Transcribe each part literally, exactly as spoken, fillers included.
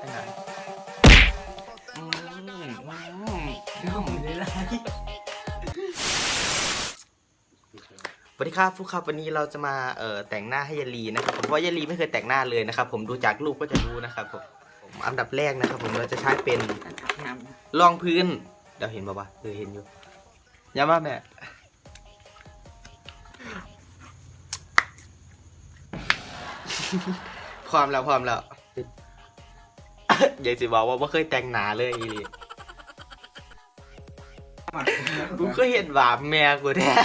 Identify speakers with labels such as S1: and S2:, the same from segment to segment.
S1: แต่งหน้าอืมอืม
S2: น้องเลยไร
S1: สวัสดีครับฟุกครับวันนี้เราจะมาเอ่อแต่งหน้าให้ยาลีนะครับผมเพราะยาลีไม่เคยแต่งหน้าเลยนะครับผมดูจากรูปก็จะรู้นะครับผมผมอันดับแรกนะครับผมเราจะใช้เป็นรองพื้นเดี๋ยวเห็นป่าวะเออเห็นอยู่ย้ำว่าแม่พร้อมแล้วพร้อมแล้ว อยากจะบอกว่าไม่เคยแต่งหน้าเลยอีหลีกูก็เห็นบาปแม่กูแท้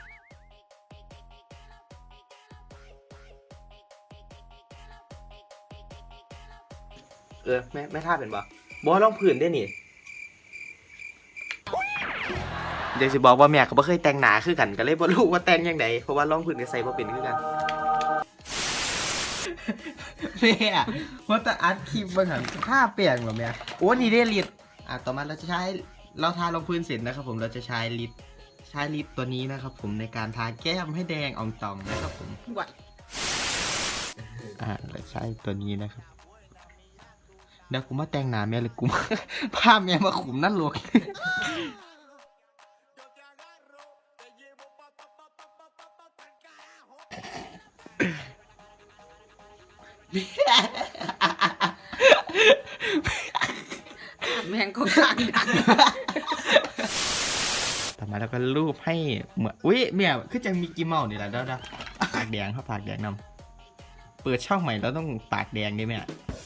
S1: เออแม่แม่ท่าเป็นปะบอลองผื่นได้นี่เดี๋ยวสิบอกว่าแม่เขาไม่เคยแต่งหนาคือกันก็เลยบ่รู้ว่าแต่งยังไงเพราะว่าลองผื่นกับใส่บ่เป็นคือกัน
S2: แม่ว่าแต่อัดคลิปบางหันท่าเปลี่ยนหรอแม่โอ้นี่ได้ลิดอ่ะต่อมาเราจะใช้เราทารองพื้นเสร็จนะครับผมเราจะใช้ลิดใช้ลิดตัวนี้นะครับผมในการทาแก้มให้แดงอ่องตองนะครับผมอ่าเราใช้ตัวนี้นะครับเดี๋ยวกูมาแต่งหน้าแม่เลยกูมาพาแม่มาขุมนั่นหลวง
S3: แมงก็กลางดัง
S2: ต่อมาแล้วก็รูปให้เหมือนอุ้ยแม่คือจังมีกี่เมานี่แหละเด้อปากแดงครับปากแดงนำเปิดช่องใหม่เราต้องปากแดงด้วยแม่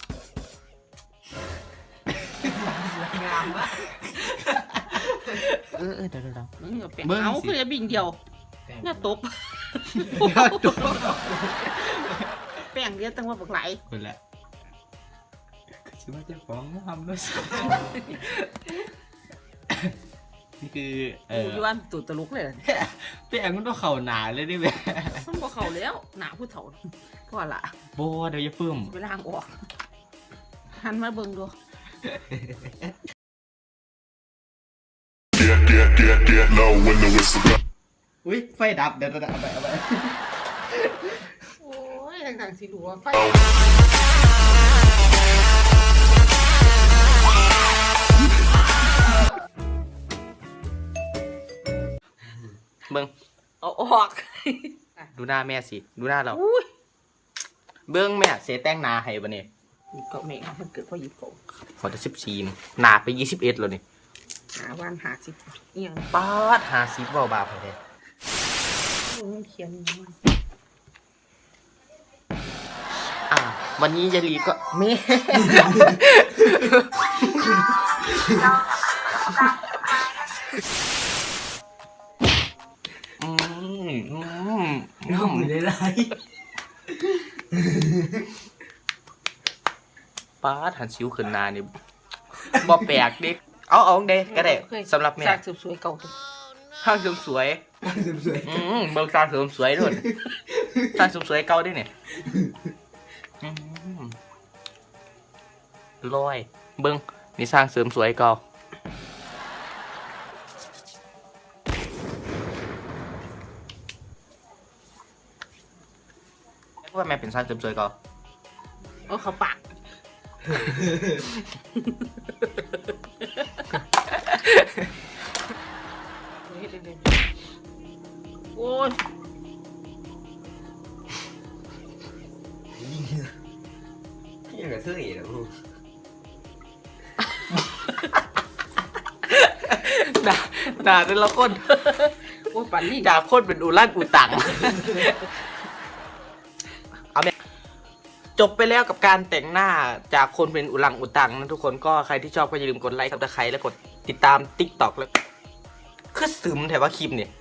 S3: งามวะ
S2: เออเออเดี๋ยวเดี๋ยว
S3: มึงเปลี่ยนเอาคือจะบิ่งเดียวน่าตบแป้งเดียวตั้งว่าบักไหล
S2: คนละคิดว่าจะฟ้องทำด้วยนี่คือเอ
S3: กู
S2: อ
S3: ย้อนตูดตะลุกเลย
S2: แป้งมันต้องเข่าหนาเลยดิแม่
S3: มันบ่เข้าแล้วหนาผู้เฒ่าก็ละ
S2: โบเดี๋ยวจะฟื้ม
S3: ไปล้างออกหันมาเบิ่งดู
S4: Get, get, get, get low when the whistle goes.
S2: อุ้ยไฟดับเดี๋ยวเดี๋ยวเอาไปเอาไป
S3: โอ้ยต่างๆสิดูว่าไฟ
S1: เบิ้ง
S3: เอาออก
S1: ดูหน้าแม่สิดูหน้าเรา
S3: อุ้ย
S1: เบิ้งแม่เสียแต่งหน้าให้บ่เนี่ย
S3: ก็แม่งมันเกิดเพราะหยิบโก
S1: พอจะสิบสี่หนาไปยี่สิบเอ็ดแล้วนี่
S3: หาวันหาสิเอียง
S1: ป้าดหาซิบเบาบาไปเลย
S3: มันเขียนมัน
S1: อ่าวันนี้ยาลีก็แม่ อืมอืม
S2: น้องเลยไร
S1: ป้าดหันซิวขึ้นหนานี่บ่แปลกเด็กเอาเอาเด็กก็ได้สำหรับแม่
S3: สร้างสืบสวยเก่าตัว
S1: ห้างเสริมสวย
S2: สวย
S1: อืมเบิกสร้างเสริมสวยด้วยสร้างเสริมสวยเก่าด้วยเนี่ยอืมลอยเบิ้งนี่สร้างเสริมสวยเก่าว่าแม่เป็นสร้างเสริมสวยเก่า
S3: เออเขาปากโอ้ย
S2: พี่เหลือเท่าไหร่แล้วลูก
S1: ด่าด่าแต่ละคน
S3: โอ้ยปั่นนี่
S1: จากคนเป็นอุลันอุตัง เอาแม่จบไปแล้วกับการแต่งหน้าจากคนเป็นอุลังอุตังนะทุกคนก็ใครที่ชอบก็อย่าลืมกดไลค์กับตะไคร้และกดติดตาม ติ๊กต็อก แล้วคือซึมแต่ว่าคลิปเนี่ย